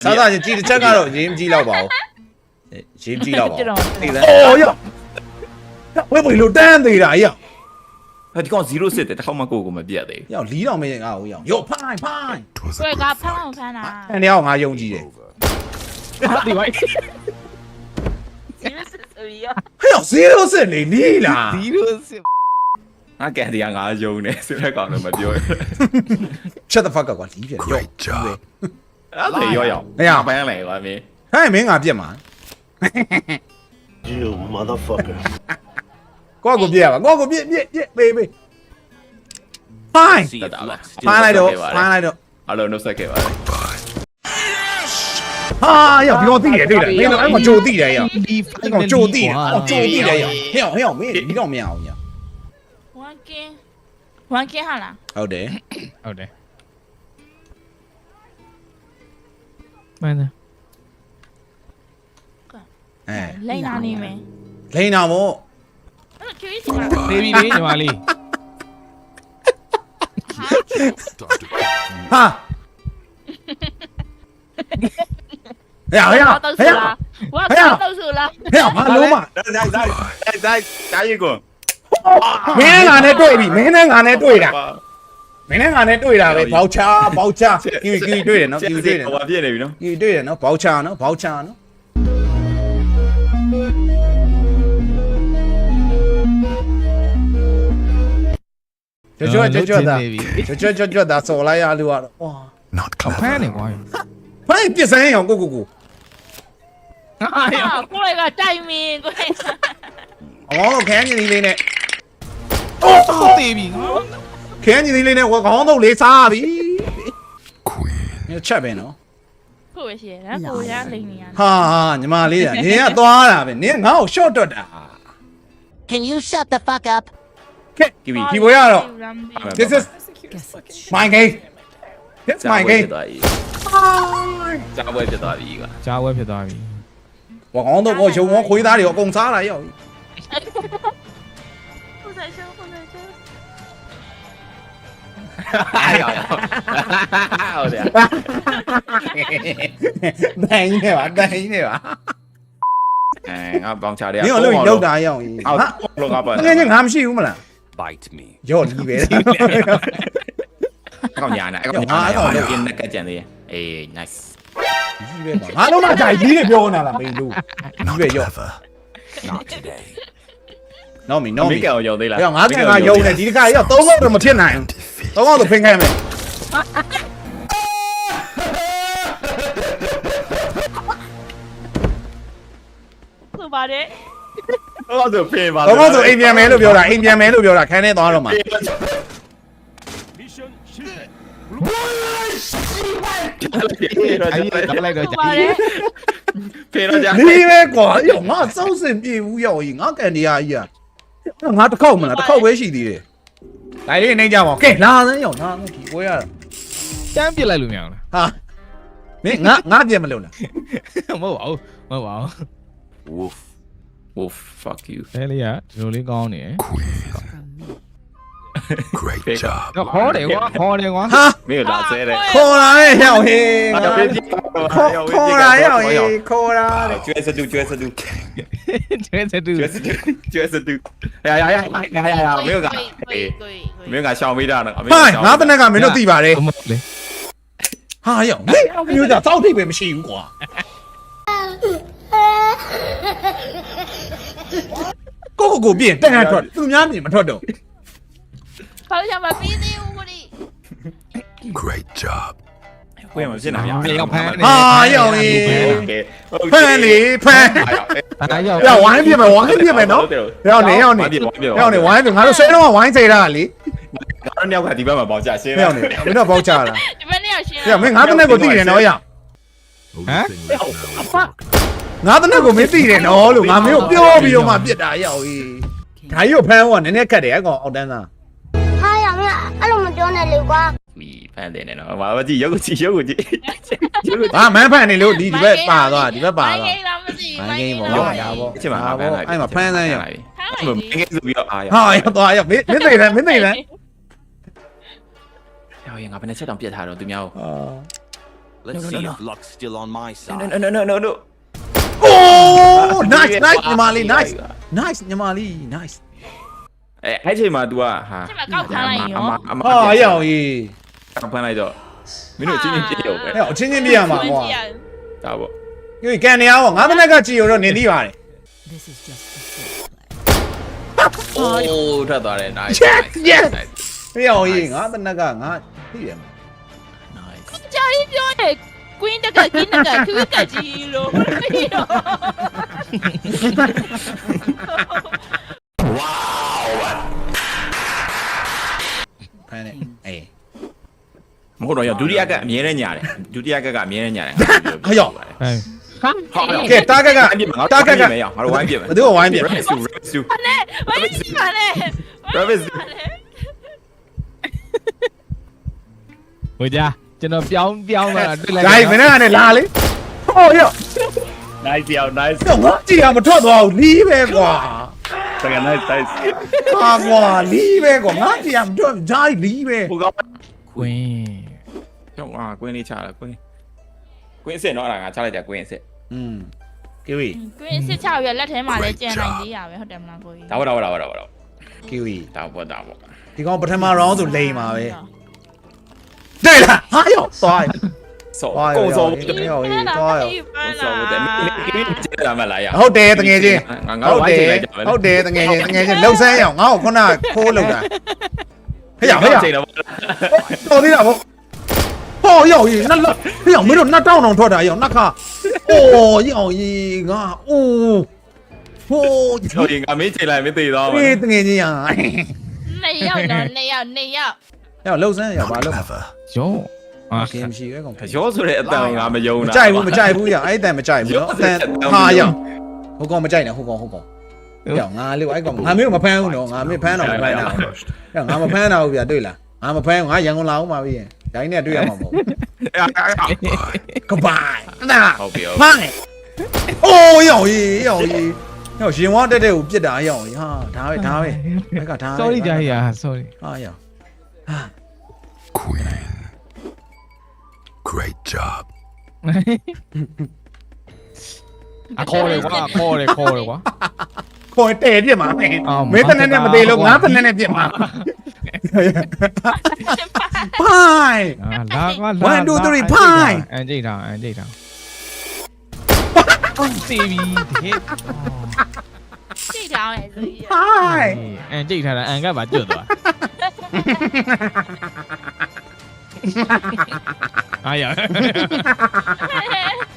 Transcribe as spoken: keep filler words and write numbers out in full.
စားစားချင်းကြည်တစ်ချက်ကတော့ရင်းမကြည့်တော့ပါဘူးရင်းကြည့်တော့ပါသိလားအော်ရောဝဲဘယ်လိုတန်းသေးတာရောဒီကောင်zeroစစ်တယ်တစ်ခေါက်မှကိုကိုမပြတ်သေးရောလီးတော့မရင်ငါ့ကိုရောရောဖိုင်ဖိုင်ဝဲကဖမ်းအောင်ဖမ်းတာအဲ့နေအောင်ငါယုံကြည်တယ်ဒီဘိုက် zero six ဆိုပြီးရောဟဲ့ဇီရိုစစ်နေနီးလား zero six ငါကန်ဒီကငါယုံနေဆိုတဲ့ကောင်တော့မပြောရ Shut the fuck up ကွာလီးပြန်ရောအဲ့ဒါရောရောပန်းလေကွာမင်းဟဲ့မင်းငါပြက်မှာ You motherfucker. ကိုကိုပြက်ရပါကိုကိုပြက်ပြက်ပြက်ပေးပေးဖိုင်တက်တာလားဖိုင်လိုက်တော့ဖိုင်လိုက်တော့အလုံးနှုတ်ဆက်ခဲ့ပါလေဟာရောဒီကောင်သိတယ်သိတယ်မင်းတော့အဲ့ကောင်ကြိုသိတယ်ရောဒီအဲ့ကောင်ကြိုသိတယ်ကြိုသိတယ်ရောဟဲ့ဟဲ့မင်းဒီတော့မရအောင်ရော one kin one kin ဟာလားဟုတ်တယ်ဟုတ်တယ်မှန်တယ်အဲလိန်နာနေမယ်လိန်တော်မို့အဲ့ကျွေးစီကနေပြီလေညီမလေးဟာဟဲ့ဟဲ့ဟဲ့တော့ဆူလားဝါကတော့ဆူလားဟဲ့ဘာလုံးမဒါဒါဒါဒါဒါရီကိုမင်းနဲ့ငါနဲ့တွေ့ပြီမင်းနဲ့ငါနဲ့တွေ့တာမင်းနဲ့ငါနဲ့တွေ့တာပဲဘောက်ချာဘောက်ချာကီကီတွေ့တယ်နော်ကီတွေ့တယ်ဟိုပြည့်နေပြီနော်ကီတွေ့တယ်နော်ဘောက်ချာနော်ဘောက်ချာနော်ကြွကြွကြွတာကြွကြွကြွကြွတာစော်လိုက်ရလို့ကတော့ဝါ Not ဖမ်းနေ clever. ကွာဖိုင်ပြစ်စမ်းအောင်ကိုကိုကိုဟာကိုယ်ကတိုင်မင်းကိုယ်အမောင်းခန်းကြီးလေးနဲ့တော့တေးပြီခန်းကြီးလေးနဲ့ဝခေါင်းတော့လေးစားပြီ Queen. ညချက်ပဲနော်ကိုယ်ရှိတယ်ကိုရလိန်နေရဟာဟာညီမလေးကနင်ကသွားတာပဲနင်ငါ့ကို short တွတ်တာ Can you shut the fuck up? ကဲဒီဒီဘွေရတော့ this is my game this my game ကြာပွဲဖြစ်သွားပြီကွာကြားဝဲဖြစ်သွားပြီဝခေါင်းတော့ကိုရုံရောခွေးသားတွေအကုန်စားလာရောက်ကိုယ်ရှိကိုယ်ရှိအဲ့ရောဟုတ်တယ်ဒိုင်းနေပါဒိုင်းနေပါအဲငါပေါင်ချတယ်နင်ကလို့လောက်တာရောက်ရင်အော်ဟာလောကပါငယ်ငယ်ငါမရှိဘူးမလား Bite me. ရော့လီပဲကောင်ညာနာအကောင်ညာနာတော့ရင်းနဲ့ကကြံသေးအေး nice ကြီးပဲငါလုံးမကြိုက်ကြီးတွေပြောနေတာလားမင်းတို့ Not Wait, yo. clever. Not today. နော်မီနော်မမီင်းကောင်ရုံသေးလားပြောငါကငါယုံနေဒီတစ်ခါရောက်သုံးလောက်တော့မဖြစ်နိုင် Defeat. သုံးလောက်တော့ဖင်ခိုင်းမယ်ဆိုပါတယ်တော့ဆိုဖေးပါသုံးလောက်ဆိုအိမ်ပြန်မယ်လို့ပြောတာအိမ်ပြန်မယ်လို့ပြောတာခန်းထဲသွားတော့မှာအဲ့ဒီကလိုက်တော့ဆိုကြာပါတယ်ဖေးတော့ကြာဒီပဲကွာရောငါစောက်စင်ပြေဘူးရောက်ရင်ငါကန်ဒီယာကြီးอ่ะငါတစ်ခေါက်မလားတစ်ခေါက်ပဲရှိသေးတယ်ဒါလေးနေကြပါကဲလာစမ်းရောက်လာဒီပွဲရတာတန်းပြစ်လိုက်လို့မရအောင်ဟာမင်းငါငါပြန်မလို့လားလားမဟုတ်ပါဘူးမဟုတ်ပါဘူး woof woof fuck you အဲလေးကဒီလိုလေးကောင်းနေ Queen. Great job. တော့ခေါ်တယ်ကွာခေါ်တယ်ကွာဟာမင်းလာဆဲတယ်ခေါ်လာရဲ့ရောက်ဟေးအဲ့ဖေးကြည့်ခေါ်ခေါ်လာရောက်ဟေးခေါ်လာတဲ့ကျွဲစတူကျွဲစတူကျဲစတူကျွဲစတူကျွဲစတူရရရရရရမင်းကကိုယ်ကိုယ်မင်းကရှောင်မိတာနော်ဟိုင်းငါတနက်ကမင်းတို့သိပါတယ်မဟုတ်လေဟာရောက်ဟေးမျိုးသားစောက်ထိပ်ပဲမရှိဘူးကွာကိုကိုကိုပြင်တန်ရထွက်သူများပြင်မထွက်တော့ဘာလို့မပြီးသေးဘူးကိုဒီ Great job. ဝင်မဖြစ်နိုင်ရရောက်ဖမ်းနေဟာရောက်ဟေးโอเคဖန်လေဖန်အားရောက်ရောက်ဝိုင်းပြင်မယ်ဝိုင်းပြင်မယ်နော်ရောက်နေရောက်နေရောက်နေဝိုင်းပြင်ငါတို့ဆွဲတော့ဝိုင်းစေတာလေငါတို့ညောက်ကဒီဘက်မှာပေါင်ချရှင်းရောက်နေမင်းတို့ပေါက်ချလာဒီဘက်နဲ့ရှင်းရောက်မင်းငါတနက်ကိုသိတယ်နော်ရောက် Only thing left now is work. ငါတနက်ကိုမင်းသိတယ်နော်လို့ငါမင်းကိုပြောပြီးတော့မှပြစ်တာရောက်ဟေးဒါကြီးကိုဖမ်းဖို့ကနည်းနည်းခက်တယ်အကောင်အောက်တန်းသားဟာရမအဲ့လိုမပြောနဲ့လေကွာမီဖန်တယ်နော်ဘာမကြည့်ရုပ်ကြည့်ရုပ်ကြည့်ရုပ်ဟာမန်းဖန်နေလို့ဒီဒီဘက်ပါသွားဒီဘက်ပါသွားမိုင်းလားမသိမိုင်းဂိမ်းပေါ့ဒါပေါ့ချင်မှာဖန်လိုက်အဲ့မှာဖမ်းစမ်းရမင်းကဆိုပြီးတော့အားရဟာရသွားရမင်းမင်းသိတယ်မင်းသိတယ်ဟောရင်ငါဘယ်နဲ့ချက်တောင်ပြတ်ထားတော့သူများအာ Let's see if luck's still on my no side. no no no no โอ้ nice nice ညီမလေး nice nice ညီမလေး nice အဲအဲ့ချိန်မှာ तू อ่ะဟာ这么高看了以后， အမဟာရောင်ကြီးဖမ်းလိုက်တော့မင်းတို့ချင်းချင်းပြေရောပဲဟဲ့အချင်းချင်းပြရမှာကွာဒါပေါ့ဒီကန်နေအောင်ငါးမိနစ်ကကြည်ရတော့နေသိပါတယ်အိုးထွက်သွားတယ် nice Yes, yes. ဟဲ့ရောင်ကြီးငါးမိနစ်ကငါသိတယ် nice 家里表的 Queen 那个 Queen 那个 Queen 的肌肉，哎呦， ဖမ်းနေအေးမဟုတ်တော့ရဒုတိယကအမြဲတမ်းညာတယ်ဒုတိယကကအမြဲတမ်းညာတယ်ဟဲ့ရောင်ဟဲ့ကဲတာကကအပြစ်မှာငါတာကကမရအောင်ငါတို့ဝိုင်းပြမယ်ဘယ်သူကဝိုင်းပြ rabbit stew rabbit stew 我也喜欢嘞， rabbit stew ဟိုကြကျွန်တော်ပြောင်းပြောင်းလာတွေ့လိုက်ဂိုင်းမင်းကနေလာလေဟောရော nice ယော nice တော့ငါကြည်ရမထွက်သွားဘူးလီးပဲကွာတကယ် nice nice ဟာကွာလီးပဲကွာငါကြည်ရမထွက်ဂျိုင်းလီးပဲဟိုကောင်ကွင်းကျောင်းအာကွင်းလေးချလာကွင်းကွင်းစစ်တော့အဲ့ဒါငါချလိုက်ကြကွင်းစစ်อืมကီဝီ Queen 是超越လက်ထဲမှာလည်းကျန်နိုင်သေးရပဲဟုတ်တယ်မလားကိုကြီးဒါပေါ့ဒါပေါ့ဒါပေါ့ဒါပေါ့ကီဝီဒါပေါ့ဒါပေါ့ဒီကောင်ပထမ round ဆိုလိန်ပါပဲတဲ့လားဟာရောသွားဆောသွားကုံဆောဟေးဟေးသွားရောဆောတဲ့မင်းကင်းကျလာမလားရဟုတ်တယ်တကယ်ချင်းငါငါဝိုင်းချိန်လိုက်ကြမယ်ဟုတ်တယ်တကယ်ချင်းတကယ်ချင်းလှုပ်ဆန်းရအောင်ငါ့ကိုခုနခိုးလောက်တာဟေ့ရဟေ့ရချိန်တော့တော်သေးတာဗောဟောရောက်ကြီးနှစ်လောက်ဟေ့ရမင်းတို့နှစ်တောင်းတောင်ထွက်တာရောက်နှစ်ခါအိုးရောက်ကြီးငါအိုးဟိုးကျော်ရင်ငါမင်းချိန်လိုက်မင်းသေးတော့မယ်အေးတကယ်ချင်းရနှစ်ယောက်တော့နှစ်ယောက်နှစ်ယောက်ရောက်လှုပ်ဆန်းရပါ Not လို့ clever. ရောအာကင်မရှိပဲကောင်ရောဆိုတဲ့အတန်ငါမယုံမတာကြိုက်ဘူးမကြိုက်ဘူးရအဲ့တန်မကြိုက်ဘူးနော်အတန်ဟာရောက်ဟိုကောင်မကြိုက်နဲ့ဟိုကောင်ဟိုကောင်ရောက်ငါလေးအဲ့ကောင်ငါမျိုးမဖမ်းဘူးနော်ငါမင်းဖမ်းတော့မဖမ်းတာ First. ငါမဖမ်းတာဘူးဗျာတွေ့လားငါမဖမ်းငါရန်ကုန်လာအောင်ပါပြီဒိုင်းနဲ့တွေ့ရမှာမဟုတ်ကပိုင်နာဟုတ်ပြီဖိုင်အိုးရောက်ကြီးရောက်ကြီးရောက်ရှင်ဝါတက်တဲ့ကိုပြစ်တာရောက်ကြီးဟာဒါပဲဒါပဲဘက်ကဒါ sorry ကြာကြီး sorry ဟာရောက်ဟာ Queen. Great job. အခေါ်လေကွာခေါ်လေခေါ်လေကွာခေါ်တဲပြစ်မှာမင်းအော်မင်းတနက်နဲ့မသေးလို့ငါတနက်နဲ့ပြစ်မှာဖိုင်အာလာကွာ one two three ဖိုင်အန်ကြိတ်တာအန်ကြိတ်တာစီဗီဟစ်ကြည့်ထားမယ်ဆိုကြီးဖိုင်အန်ကြိတ်ထားတာအန်ကပါကျွတ်သွားအာရ